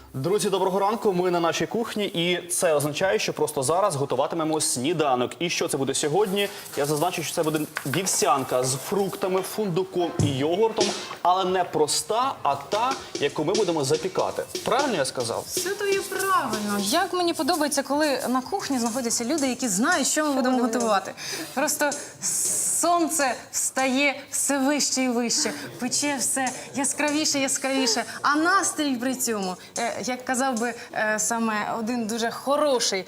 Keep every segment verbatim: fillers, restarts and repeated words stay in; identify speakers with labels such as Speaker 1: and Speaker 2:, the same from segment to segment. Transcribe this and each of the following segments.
Speaker 1: Друзі, доброго ранку. Ми на нашій кухні, і це означає, що просто зараз готуватимемо сніданок. І що це буде сьогодні? Я зазначу, що це буде вівсянка з фруктами, фундуком і йогуртом, але не проста, а та, яку ми будемо запікати. Правильно я сказав?
Speaker 2: Все то є правильно. Як мені подобається, коли на кухні знаходяться люди, які знають, що ми будемо готувати. Просто сонце встає все вище і вище, пече все яскравіше, яскравіше, а настрій при цьому, е, як казав би е, саме один дуже хороший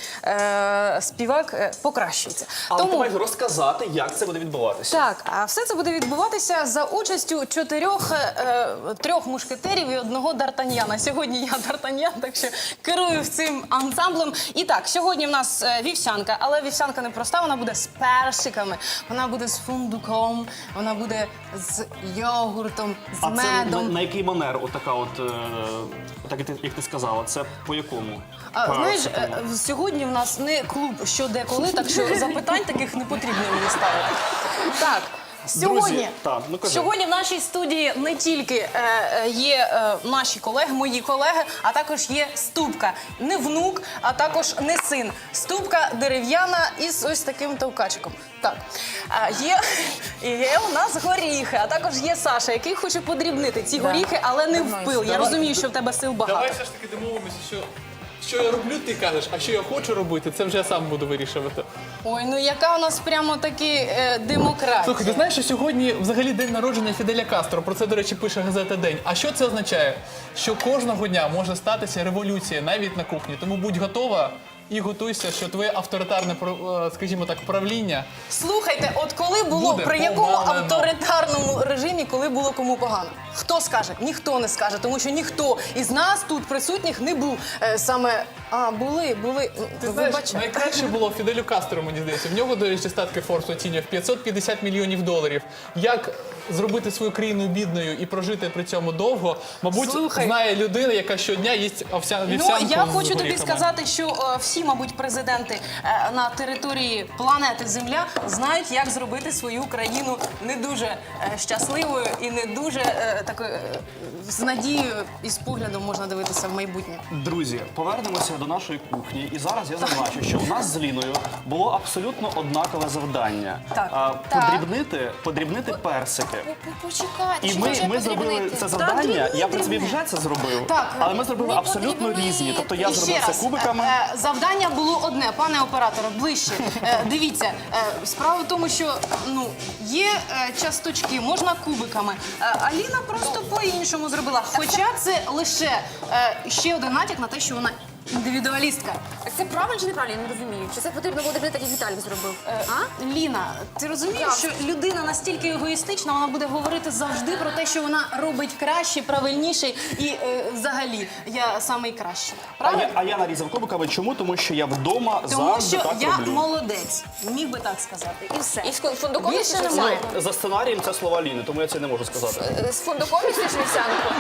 Speaker 2: е, співак, е, покращується.
Speaker 1: Але ти маєш розказати, як це буде відбуватися.
Speaker 2: Так, а все це буде відбуватися за участю чотирьох е, трьох мушкетерів і одного Д'Артаньяна. Сьогодні я Д'Артаньян, так що керую цим ансамблем. І так, сьогодні в нас е, вівсянка, але вівсянка не проста, вона буде з персиками, вона буде з фундуком, вона буде з йогуртом, з
Speaker 1: А це на,
Speaker 2: медом.
Speaker 1: на який манер, отака от, е, так як ти, як ти сказала, це по якому?
Speaker 2: А,
Speaker 1: По
Speaker 2: знаєш,
Speaker 1: такому?
Speaker 2: е, сьогодні в нас не клуб що де коли, так що запитань таких не потрібно мені ставити. Так. Сьогодні,
Speaker 1: Друзі, так, ну кажи.
Speaker 2: сьогодні в нашій студії не тільки е, е, є е, наші колеги, мої колеги, а також є ступка. Не внук, а також не син. Ступка дерев'яна із ось таким товкачиком. Так. А, є, є у нас горіхи, а також є Саша, який хоче подрібнити ці горіхи, але не в пил. Я розумію, що в тебе сил багато.
Speaker 3: Давай все ж таки домовимося, що що я роблю, ти кажеш, а що я хочу робити, це вже я сам буду вирішувати.
Speaker 2: Ой, ну яка у нас прямо таки е, демократія.
Speaker 3: Слухай, ти знаєш, що сьогодні взагалі день народження Фіделя Кастро, про це, до речі, пише газета «День». А що це означає? Що кожного дня може статися революція навіть на кухні, тому будь готова і готуйся, що твоє авторитарне, скажімо так, правління...
Speaker 2: Слухайте, от коли було,
Speaker 3: Буде
Speaker 2: при якому
Speaker 3: повалено.
Speaker 2: авторитарному режимі, коли було кому погано? Хто скаже? Ніхто не скаже, тому що ніхто із нас тут присутніх не був е, саме... А, були, були.
Speaker 3: Ти знаєш,
Speaker 2: Вибачте.
Speaker 3: найкраще було Фіделю Кастро, мені здається. В нього, до речі, статки Форбс оцінює в п'ятсот п'ятдесят мільйонів доларів. Як зробити свою країну бідною і прожити при цьому довго, мабуть,
Speaker 2: Слухай.
Speaker 3: знає людина, яка щодня їсть овсяну
Speaker 2: Ну,
Speaker 3: вівсянку
Speaker 2: я
Speaker 3: з
Speaker 2: хочу тобі
Speaker 3: горіхами.
Speaker 2: сказати, що е, всі, мабуть, президенти е, на території планети Земля знають, як зробити свою країну не дуже е, щасливою і не дуже е, такою е, з надією і з поглядом можна дивитися в майбутнє.
Speaker 1: Друзі, повернемося до нашої кухні. І зараз я зазначу, що у нас з Ліною було абсолютно однакове завдання.
Speaker 2: Так.
Speaker 1: А,
Speaker 4: Так.
Speaker 1: подрібнити, подрібнити персики.
Speaker 4: Почекайте,
Speaker 1: І
Speaker 4: що
Speaker 1: ми,
Speaker 4: вже
Speaker 1: ми зробили
Speaker 4: подрібнити?
Speaker 1: це завдання,
Speaker 2: дрібни,
Speaker 1: я в принципі
Speaker 2: дрібни.
Speaker 1: вже це зробив,
Speaker 2: Так.
Speaker 1: але ми зробили
Speaker 4: Не
Speaker 1: абсолютно
Speaker 4: подрібни.
Speaker 1: різні. Тобто я
Speaker 2: І
Speaker 1: зробив
Speaker 2: ще
Speaker 1: це
Speaker 2: раз,
Speaker 1: кубиками.
Speaker 2: е, е, завдання було одне, пане операторе, ближче. Е, дивіться, е, справа в тому, що ну, є е, часточки, можна кубиками. Е, Аліна просто по-іншому зробила. Хоча це лише е, ще один натяк на те, що вона індивідуалістка.
Speaker 4: Так це правильно чи неправильно? Я не розумію. Чи це потрібно буде так, як Віталік зробив? А?
Speaker 2: Ліна, ти розумієш,
Speaker 4: Так.
Speaker 2: що людина настільки егоїстична, вона буде говорити завжди про те, що вона робить краще, правильніше і е, взагалі я самий кращий.
Speaker 1: А
Speaker 2: Правильно?
Speaker 1: я, а я нарізав кубиками. Чому? Тому що я вдома
Speaker 2: Тому
Speaker 1: завжди
Speaker 2: що
Speaker 1: так
Speaker 2: я
Speaker 1: роблю.
Speaker 2: молодець, міг би так сказати. І все.
Speaker 4: І з фундуком
Speaker 2: Більше
Speaker 4: їсиш
Speaker 2: немає.
Speaker 4: вівсянку?
Speaker 1: За сценарієм це слова Ліни, тому я це не можу сказати.
Speaker 4: З фундуком їсиш вівсянку?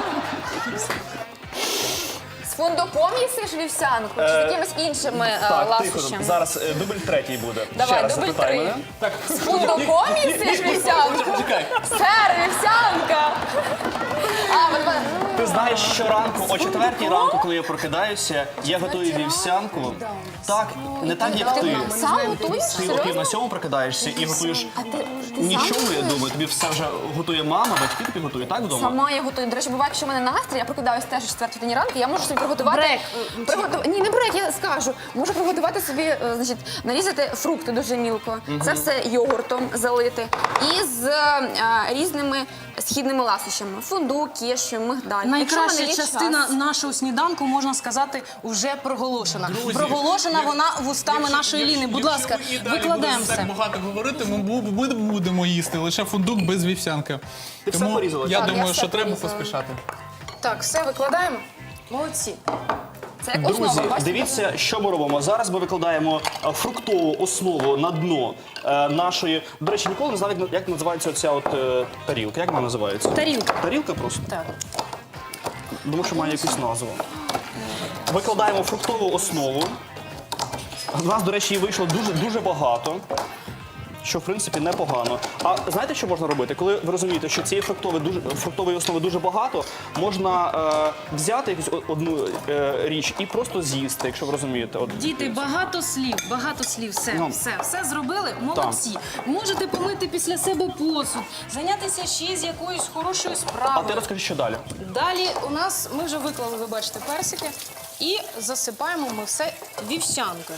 Speaker 4: З фундуком їсиш вівсянку? Чи з
Speaker 1: Е,
Speaker 4: якимись іншими е,
Speaker 1: Так, тихо.
Speaker 4: ласощами?
Speaker 1: Зараз е, дубль третій буде.
Speaker 4: Давай,
Speaker 1: Ще раз
Speaker 4: дубль
Speaker 1: запитай
Speaker 4: три.
Speaker 1: мене.
Speaker 3: Так,
Speaker 4: З фундуком їсиш вівсянку?
Speaker 3: почекай.
Speaker 4: Сер, вівсянка! А, от вона-
Speaker 1: Ти знаєш, щоранку, о четвертій ранку, коли я прокидаюся, я готую вівсянку. Так, не так, як ти.
Speaker 4: Сам готуєш?
Speaker 1: Ти о пів
Speaker 4: Серйозно?
Speaker 1: на сьому прокидаєшся і готуєш
Speaker 4: А ти, ти
Speaker 1: нічого,
Speaker 4: сам
Speaker 1: я
Speaker 4: готуєш?
Speaker 1: думаю. Тобі все вже готує мама, батьки тобі готують, так вдома?
Speaker 4: Сама я готую. До речі, буває, якщо в мене настрій, я прокидаюся теж о четвертій годині ранку, я можу собі приготувати...
Speaker 2: Брек.
Speaker 4: Приготу- Ні, не брек, я скажу. Можу приготувати собі, е, значить, нарізати фрукти дуже мілко. Це все йогуртом залити. І з е, різними східними ласощами. Фундук, кешю, мигдаль. Якщо в
Speaker 2: Найкраща
Speaker 4: мене є
Speaker 2: частина
Speaker 4: час.
Speaker 2: нашого сніданку, можна сказати, вже проголошена.
Speaker 3: Друзі,
Speaker 2: проголошена
Speaker 3: як-
Speaker 2: вона вустами
Speaker 3: Якщо-
Speaker 2: нашої
Speaker 3: якщо-
Speaker 2: Ліни. Будь
Speaker 3: якщо
Speaker 2: ласка,
Speaker 3: ви і далі
Speaker 2: викладаємо
Speaker 3: будете
Speaker 2: все.
Speaker 3: так багато говорити, ми, бу- ми будемо їсти лише фундук без вівсянки.
Speaker 1: Ти все
Speaker 3: Тому
Speaker 1: порізала?
Speaker 3: я
Speaker 1: Так,
Speaker 4: я
Speaker 3: думаю,
Speaker 4: все
Speaker 3: що треба
Speaker 4: порізала.
Speaker 3: поспішати.
Speaker 2: Так, все викладаємо. Молодці.
Speaker 4: Це як
Speaker 1: Друзі,
Speaker 4: основа, бачите?
Speaker 1: дивіться, що ми робимо. Зараз ми викладаємо е, фруктову основу на дно е, нашої. До речі, ніколи не знав, як, як називається оця от е, тарілка. Як вона називається?
Speaker 2: Тарілка.
Speaker 1: Тарілка просто?
Speaker 2: Так.
Speaker 1: Думаю, що має якусь назву. Викладаємо фруктову основу. У нас, до речі, її вийшло дуже, дуже багато. що в принципі непогано. А знаєте, що можна робити? Коли ви розумієте, що цієї фруктової дуже фруктової основи дуже багато, можна е, взяти якусь о- одну е, річ і просто з'їсти, якщо ви розумієте. От,
Speaker 2: Діти, багато слів, багато слів, все,
Speaker 1: Ну.
Speaker 2: все, все зробили, молодці. Можете помити після себе посуд, зайнятися ще з якоюсь хорошою
Speaker 1: А
Speaker 2: справою.
Speaker 1: ти розкажи, що далі?
Speaker 2: Далі у нас, ми вже виклали, ви бачите, персики, і засипаємо ми все вівсянкою.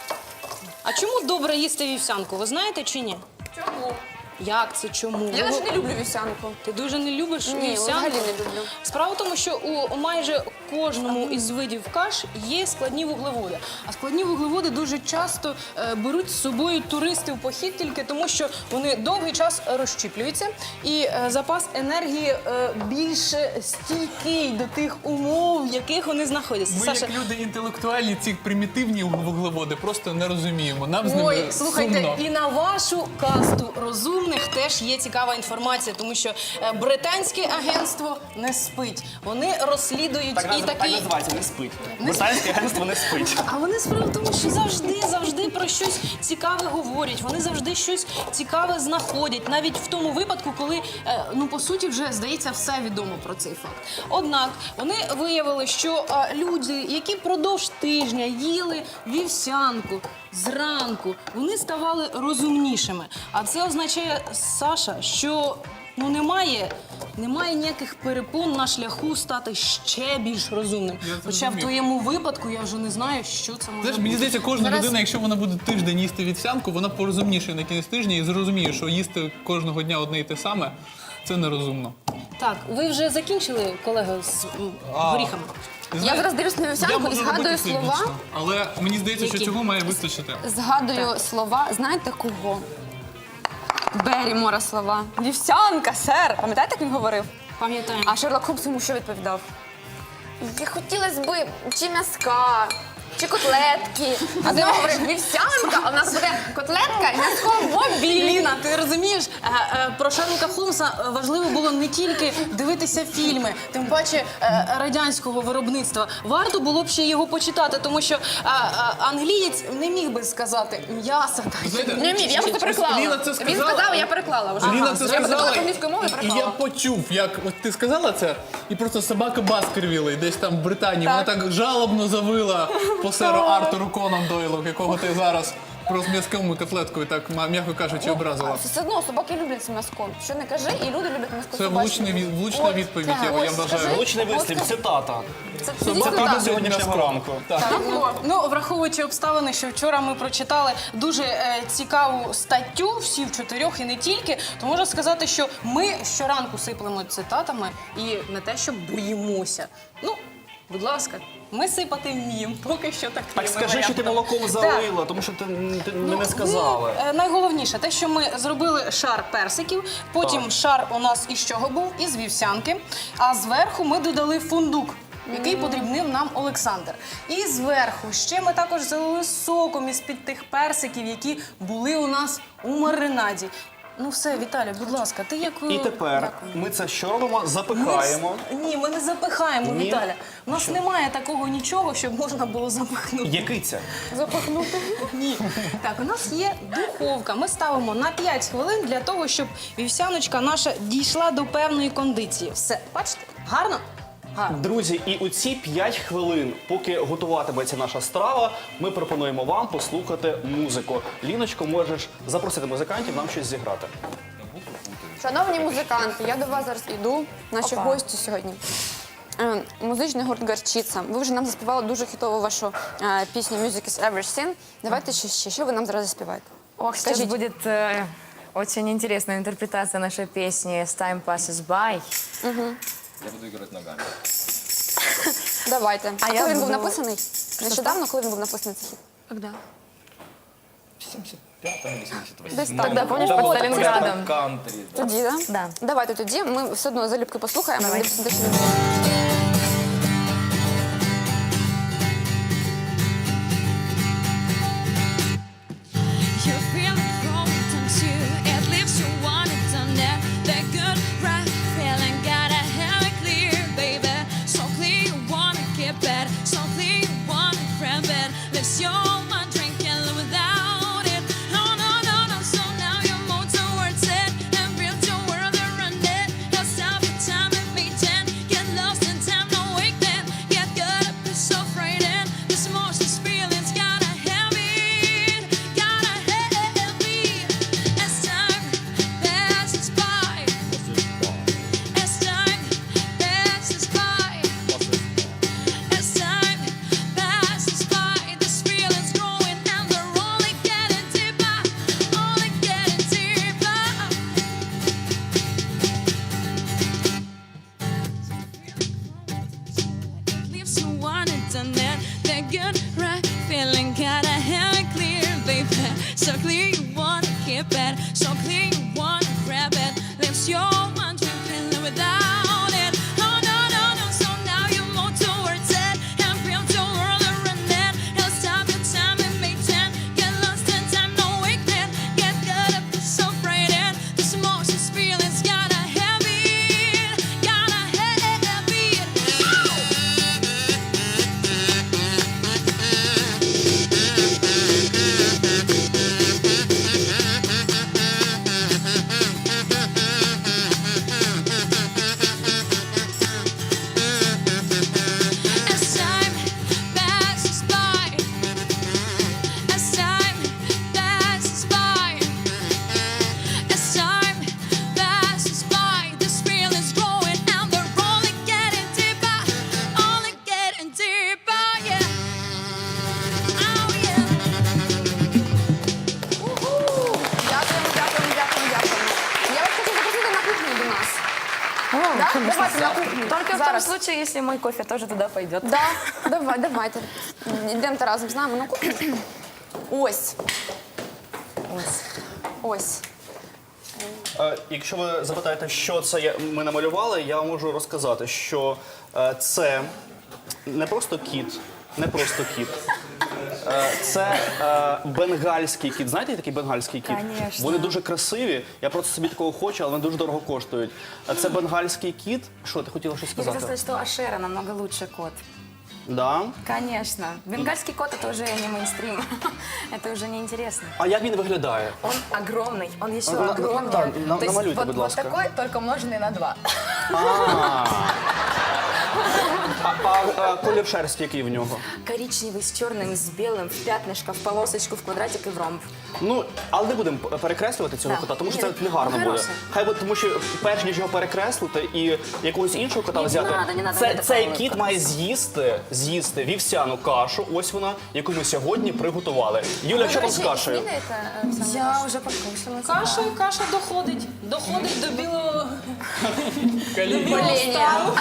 Speaker 2: А чому добре їсти вівсянку, ви знаєте чи ні?
Speaker 4: Чому?
Speaker 2: Як це, чому?
Speaker 4: Я
Speaker 2: Ви-
Speaker 4: навіть не люблю вівсянку.
Speaker 2: Ти дуже не любиш
Speaker 4: Ні,
Speaker 2: вівсянку?
Speaker 4: взагалі не люблю.
Speaker 2: Справа в тому, що у майже кожному із видів каш є складні вуглеводи. А складні вуглеводи дуже часто е, беруть з собою туристи в похід тільки тому, що вони довгий час розщіплюються, і е, запас енергії е, більш стійкий до тих умов, в яких вони знаходяться.
Speaker 3: Ми, як люди інтелектуальні, ці примітивні вуглеводи просто не розуміємо. Нам з ними
Speaker 2: Ой, слухайте,
Speaker 3: сумно.
Speaker 2: і на вашу касту розумних теж є цікава інформація, тому що е, британське агентство не спить. Вони розслідують і такі.
Speaker 1: називається, не спить. Британське агентство не спить.
Speaker 2: А вони справа в тому, що завжди, завжди про щось цікаве говорять. Вони завжди щось цікаве знаходять, навіть в тому випадку, коли е, ну по суті вже здається все відомо про цей факт. Однак вони виявили, що е, люди, які продовж тижня їли вівсянку зранку, вони ставали розумнішими. А це означає, Саша, що ну немає. Немає ніяких перепон на шляху стати ще більш розумним.
Speaker 3: Я це
Speaker 2: Хоча в
Speaker 3: розумію.
Speaker 2: твоєму випадку я вже не знаю, що це може
Speaker 3: Знаєш,
Speaker 2: бути.
Speaker 3: мені здається, кожна
Speaker 2: Зараз-
Speaker 3: людина, якщо вона буде тиждень їсти вівсянку, вона порозумніше на кінець тижня і зрозуміє, що їсти кожного дня одне і те саме це нерозумно.
Speaker 2: Так, ви вже закінчили, колега, з м, горіхами?
Speaker 3: Ти
Speaker 4: Я
Speaker 3: знаєш,
Speaker 4: зараз дивлюсь на
Speaker 3: я
Speaker 4: вівсянку і
Speaker 3: можу
Speaker 4: згадую
Speaker 3: робити
Speaker 4: слова.
Speaker 3: всебічно, але мені здається, що
Speaker 2: Які?
Speaker 3: цього має вистачити.
Speaker 4: Згадую слова, знаєте кого? Берімора слова. Вівсянка, сер. Пам'ятаєте, як він говорив?
Speaker 2: Пам'ятаємо.
Speaker 4: А Шерлок Холмс йому що відповідав? Я хотілося б чи м'язка, чи котлетки. А він говорив, вівсянка, а в нас буде котлетка і м'язко в обід.
Speaker 2: Ліна, ти розумієш, е, е, про Шерлока Холмса е, важливо було не тільки дивитися фільми, тим паче е, радянського виробництва. Варто було б ще його почитати, тому що е, е, англієць не міг би сказати м'ясо.
Speaker 3: Знаєте,
Speaker 4: Не вмів, я просто переклала.
Speaker 3: Ліна це
Speaker 4: Він
Speaker 3: сказала.
Speaker 4: сказав, я переклала вже.
Speaker 3: Ліна
Speaker 4: Ага.
Speaker 3: це
Speaker 4: Я
Speaker 3: сказала,
Speaker 4: подумала англійською мовою і
Speaker 3: і я
Speaker 4: переклала.
Speaker 3: почув, як от ти сказала це, і просто собака Баскервілей десь там в Британії, вона так жалобно завила по серу Артуру Конан Дойлу, якого ти зараз просто м'язковою котлеткою, так, м'яко кажучи, образила.
Speaker 4: Все одно собаки люблять це м'язко. Що не кажи, і люди люблять м'язко.
Speaker 3: Це
Speaker 4: собаче.
Speaker 3: влучний від- влучна
Speaker 4: От,
Speaker 3: відповідь,
Speaker 4: так,
Speaker 3: я- я
Speaker 4: ось,
Speaker 3: вважаю.
Speaker 4: скажи.
Speaker 1: Влучний вислів,
Speaker 4: Ось,
Speaker 1: цитата.
Speaker 4: Це це
Speaker 3: Собака
Speaker 4: дійсно
Speaker 3: любить
Speaker 4: так.
Speaker 1: сьогоднішнього ранку.
Speaker 3: Так.
Speaker 2: Ну, враховуючи обставини, що вчора ми прочитали дуже е, цікаву статтю, всі в чотирьох і не тільки, то можна сказати, що ми щоранку сиплемо цитатами і не те, що боїмося. Ну, будь ласка, ми сипати вміємо, поки що так.
Speaker 1: Так скажи, що ти молоком залила, тому що ти, ти ми не сказали.
Speaker 2: Ну, е, найголовніше, те, що ми зробили шар персиків, потім шар у нас із чого був? Із вівсянки, а зверху ми додали фундук, який подрібнив нам Олександр. І зверху ще ми також залили соком із-під тих персиків, які були у нас у маринаді. Ну все, Віталя, будь ласка, ти як...
Speaker 1: І тепер ми це що робимо? Запихаємо.
Speaker 2: Ми... Ні, ми не запихаємо,
Speaker 1: Ні?
Speaker 2: Віталя. У нас немає такого нічого, щоб можна було запихнути.
Speaker 1: Який це?
Speaker 4: Запахнути.
Speaker 2: Ні. Так, у нас є духовка. Ми ставимо на п'ять хвилин для того, щоб вівсяночка наша дійшла до певної кондиції. Все, бачите? Гарно? Гарно.
Speaker 1: Друзі, і у ці п'ять хвилин, поки готуватиметься наша страва, ми пропонуємо вам послухати музику. Ліночко, можеш запросити музикантів нам щось зіграти.
Speaker 4: Шановні музиканти, я до вас зараз йду, наші
Speaker 5: Опа.
Speaker 4: гості сьогодні. Е, Музичний гурт «Горчиця». Ви вже нам заспівали дуже хітову вашу е, пісню «Music is everything». Давайте ще, ще. Що ви нам зараз заспіваєте?
Speaker 5: Ох, сейчас
Speaker 4: Скажите.
Speaker 5: будет э, очень интересная интерпретация нашей песни «As Time Passes By».
Speaker 6: Я буду играть ногами.
Speaker 4: Давайте. А,
Speaker 5: А я
Speaker 4: коли він був
Speaker 5: буду-
Speaker 4: написаний? Нещодавно, коли він був написаний цей хіт?
Speaker 5: Когда?
Speaker 6: В семьдесят пятом или семьдесят восьмом.
Speaker 4: Десь так. Тогда,
Speaker 5: помнишь,
Speaker 6: Да,
Speaker 5: под
Speaker 6: вот
Speaker 5: Сталинградом?
Speaker 6: прямо кантри, да.
Speaker 4: Тоді, да?
Speaker 5: Да.
Speaker 4: Давайте тоді. Ми все одно залюбки послухаємо.
Speaker 5: Давай.
Speaker 4: Дивіться, де що
Speaker 7: You feel it growing, don't you? At least you want it done that. That good, right feeling, gotta have it clear, baby. So clear you wanna get bad, so clear you wanna grab it. Let's your mind drinking without it. No, no, no, no. So now
Speaker 4: Да? Давайте на кухню.
Speaker 5: Только в том
Speaker 4: Зараз.
Speaker 5: случае, если мой кофе тоже туда пойдет.
Speaker 4: Да, давай, давайте. Йдемо разом з нами на кухню. Ось. Ось. Ось.
Speaker 1: Е, Якщо ви запитаєте, що це я- ми намалювали, я можу розказати, що е, це не просто кіт, не просто кіт. Е, Це е, бенгальський кіт. Знаєте такий бенгальський кіт?
Speaker 5: Конечно.
Speaker 1: Вони дуже красиві. Я просто собі такого хочу, але вони дуже дорого коштують. Е, Це бенгальський кіт. Що, ти хотіла щось
Speaker 5: Я хотела
Speaker 1: сказати?
Speaker 5: сказать, что Ашера намного лучше кот.
Speaker 1: Да?
Speaker 5: Конечно. Бенгальский кот это уже не мейнстрим. Это уже не интересно.
Speaker 1: А як він виглядає?
Speaker 5: Он огромный, он еще
Speaker 1: На- на-
Speaker 5: огромнее.
Speaker 1: так, на-
Speaker 5: То есть
Speaker 1: намалюйте,
Speaker 5: вот,
Speaker 1: будь
Speaker 5: вот
Speaker 1: ласка.
Speaker 5: такой, только умноженный на два.
Speaker 1: А, а, а, а колір шерсті який в нього?
Speaker 5: Коричневый с черным, с белым, в пятнышко, в полосочку, в квадратик и в ромб.
Speaker 1: Ну, але не будемо перекреслювати цього
Speaker 5: Да.
Speaker 1: кота, тому що
Speaker 5: Ні,
Speaker 1: це не гарно
Speaker 5: ну,
Speaker 1: буде.
Speaker 5: хороше.
Speaker 1: Хай буде, тому що перш ніж його перекреслити і якогось іншого кота
Speaker 5: Не
Speaker 1: взяти,
Speaker 5: надо, не надо,
Speaker 1: це,
Speaker 5: не
Speaker 1: цей
Speaker 5: такого
Speaker 1: кіт
Speaker 5: кота.
Speaker 1: має з'їсти, з'їсти вівсяну кашу, ось вона, яку ми сьогодні приготували. Юля, що там з кашею?
Speaker 5: Я уже покушала.
Speaker 2: Каша, каша доходить. Доходить до білого.
Speaker 4: Боління.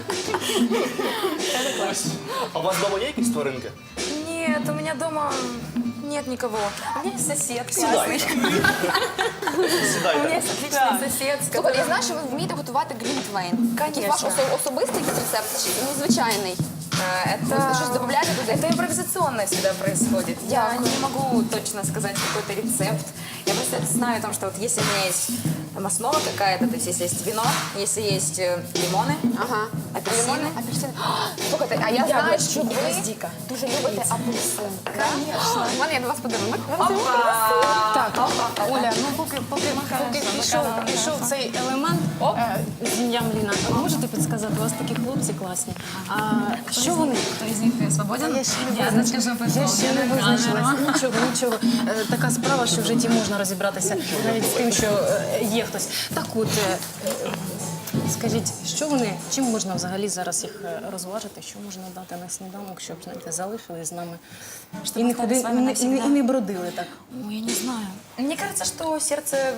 Speaker 1: А у вас вдома є якісь тваринки?
Speaker 5: Нет, у меня дома нет никого. У меня есть сосед
Speaker 1: Сідайте.
Speaker 5: классный. У меня
Speaker 1: Сідайте.
Speaker 5: есть отличный сосед, с
Speaker 4: Слухай, я
Speaker 5: которым...
Speaker 4: знаю, що ви вмієте готувати глінтвейн. Якийсь ваш
Speaker 5: Конечно.
Speaker 4: осо- особистий якийсь рецепт чи незвичайний?
Speaker 5: А,
Speaker 4: Ви
Speaker 5: Это...
Speaker 4: щось додаєте туди?
Speaker 5: Это импровизационно всегда происходит. Я
Speaker 4: Дякую.
Speaker 5: не могу точно сказать какой-то рецепт. Я просто знаю о том, что вот если у меня есть там основа какая-то, то есть если есть вино, если есть э, лимоны,
Speaker 4: Ага.
Speaker 5: Апельсини.
Speaker 4: Лимони? Апельсини. Слухайте, а я знаю,
Speaker 5: Яблучки,
Speaker 4: що ви
Speaker 5: гвоздика.
Speaker 4: дуже любите апельсин. Звісно. У мене є до вас подарунок.
Speaker 2: Так, Оля, ну поки, поки, поки пішов, пішов цей елемент е, з ім'ям Ліна, можете підсказати, у вас такі хлопці класні. А що вони?
Speaker 5: Кто из них свободен?
Speaker 2: Я ще не визначилась. Я ще не визначилась. Нічого, нічого. Е, Така справа, що в житті можна розібратися навіть з тим, що е, є хтось. Так от, е, е, скажіть, що вони, чим можна взагалі зараз їх е, розважити, що можна дати на сніданок, щоб, знаєте, залишились з нами і не,
Speaker 5: остались
Speaker 2: ходи,
Speaker 5: з вами
Speaker 2: і, не, і,
Speaker 5: навсегда.
Speaker 2: не, і не бродили так.
Speaker 5: Ой, я не знаю. Мне кажется, что сердце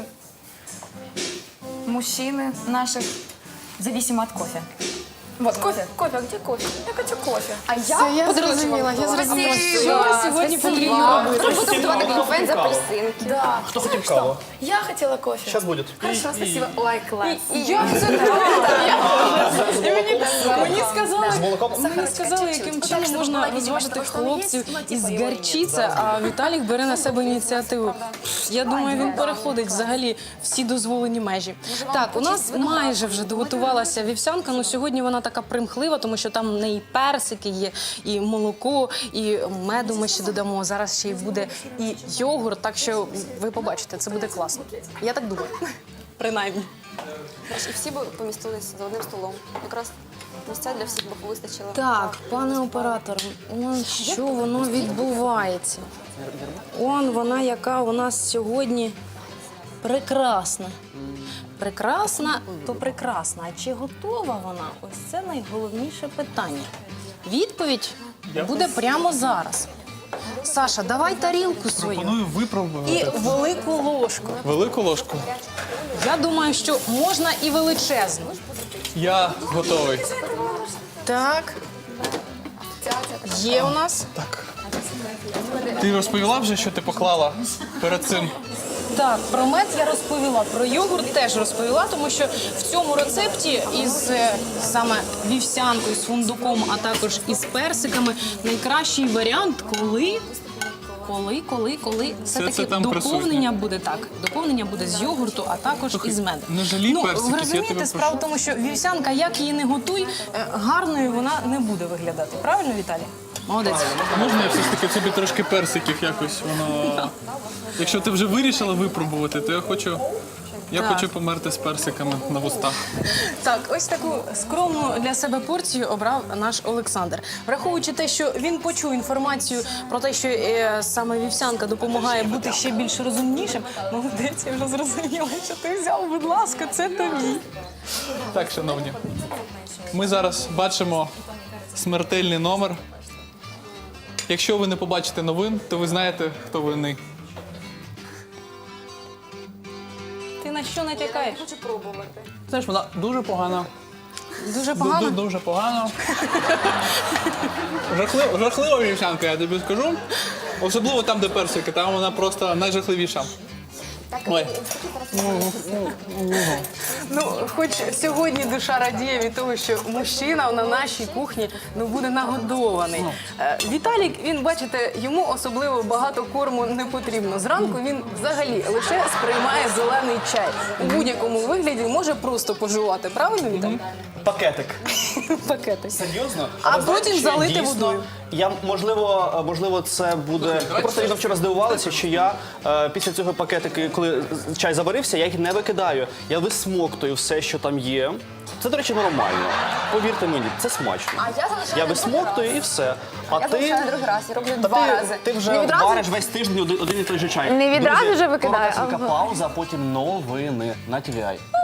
Speaker 5: мужчины наших зависимо от кофе. Вот, кофе, кофе, а где кофе? Я хочу кофе.
Speaker 4: А я
Speaker 2: Це я
Speaker 4: подарунок
Speaker 2: зрозуміла,
Speaker 4: вам
Speaker 2: я
Speaker 4: готувала.
Speaker 2: зрозуміла,
Speaker 4: Спасибо.
Speaker 2: що сьогодні
Speaker 4: Спасибо.
Speaker 2: потрібно робити.
Speaker 4: Треба буде готувати
Speaker 1: Хто
Speaker 4: глінтвейн з
Speaker 1: хотів каву?
Speaker 4: апельсинки.
Speaker 5: Да.
Speaker 1: Хто хотів каву?
Speaker 5: Я хотела кофе.
Speaker 1: Зараз буде.
Speaker 5: Хорошо, спасибо. Ой, класс.
Speaker 2: Мені сказали,
Speaker 1: З молоком?
Speaker 2: мені сказали, яким чином можна розважити хлопців із гарчиця, а Віталік бере на себе ініціативу. Я думаю, він переходить взагалі всі дозволені межі. Так, у нас майже вже доготувалася вівсянка, але сьогодні вона така примхлива, тому що там в неї персики є, і молоко, і меду ми ще додамо. Зараз ще й буде і йогурт, так що ви побачите, це буде класно. Я так думаю. Принаймні.
Speaker 4: І всі б помістились за одним столом. Якраз місця для всіх би вистачило.
Speaker 2: Так, пане оператор, он що воно відбувається? Он вона, яка у нас сьогодні прекрасна. Прекрасна, то прекрасна. А чи готова вона? Ось це найголовніше питання. Відповідь буде прямо зараз. Саша, давай тарілку свою
Speaker 3: Пропоную
Speaker 2: і
Speaker 3: випробувати.
Speaker 2: велику ложку.
Speaker 3: Велику ложку.
Speaker 2: Я думаю, що можна і величезну.
Speaker 3: Я готовий.
Speaker 2: Так. Є у нас.
Speaker 3: Так. Ти розповіла вже, що ти поклала перед цим?
Speaker 2: Так, про мед я розповіла, про йогурт теж розповіла, тому що в цьому рецепті із е, саме вівсянкою, з фундуком, а також із персиками найкращий варіант, коли. Коли, коли, коли все-таки
Speaker 3: це там
Speaker 2: доповнення
Speaker 3: присутнє.
Speaker 2: буде так. Доповнення буде з йогурту, а також із меду.
Speaker 3: не жалій
Speaker 2: ну,
Speaker 3: персиків,
Speaker 2: ви
Speaker 3: я
Speaker 2: розумієте,
Speaker 3: тебе
Speaker 2: справа в
Speaker 3: прошу.
Speaker 2: тому, що вівсянка, як її не готуй, е, гарною вона не буде виглядати. Правильно, Віталій? Молодець.
Speaker 3: Можна я все ж таки собі трошки персиків якось воно. Якщо ти вже вирішила випробувати, то я хочу. Я
Speaker 2: Так.
Speaker 3: хочу померти з персиками на вустах.
Speaker 2: Так, ось таку скромну для себе порцію обрав наш Олександр. Враховуючи те, що він почув інформацію про те, що е, саме вівсянка допомагає бути ще більш розумнішим, молодець, я вже зрозуміла, що ти взяв, будь ласка, це тобі.
Speaker 3: Так, шановні, ми зараз бачимо смертельний номер. Якщо ви не побачите новин, то ви знаєте, хто винний.
Speaker 2: Ти на що натякаєш?
Speaker 5: Хочу пробувати.
Speaker 3: Знаєш, вона дуже погана.
Speaker 2: Дуже
Speaker 3: Ду-
Speaker 2: погано.
Speaker 3: ду- Дуже погано. Жахлива, жахлива вівсянка, я тобі скажу. Особливо там, де персики, там вона просто найжахливіша. Ой.
Speaker 2: Ну, хоч сьогодні душа радіє від того, що мужчина на нашій кухні ну, буде нагодований. Е, Віталік, він, бачите, йому особливо багато корму не потрібно. Зранку він взагалі лише сприймає зелений чай. У будь-якому вигляді може просто пожувати. Правильно, Віталік?
Speaker 1: Пакетик.
Speaker 2: Пакети.
Speaker 1: Серйозно?
Speaker 2: А
Speaker 1: Але знаєте,
Speaker 2: потім
Speaker 1: що я
Speaker 2: залити
Speaker 1: дійсно-
Speaker 2: водою.
Speaker 1: Я можливо, можливо, це буде. Ви просто Ліна, вчора здивувалися, що я е, після цього пакетики, коли чай заварився, я їх не викидаю. Я висмоктую все, що там є. Це, до речі, нормально. Повірте мені, це смачно.
Speaker 4: А я залишаю
Speaker 1: Я
Speaker 4: на другий
Speaker 1: висмоктую
Speaker 4: раз.
Speaker 1: і все. А
Speaker 4: Я
Speaker 1: ти,
Speaker 4: залишаю на другий раз, я роблю
Speaker 1: та
Speaker 4: два
Speaker 1: ти,
Speaker 4: рази.
Speaker 1: ти вже
Speaker 4: Не відразу-
Speaker 1: вариш весь тиждень один, один і той же чай.
Speaker 4: Не відразу
Speaker 1: Друзі,
Speaker 4: вже викидаю,
Speaker 1: коротесенька
Speaker 4: а-
Speaker 1: пауза, а потім новини на ті ві ай.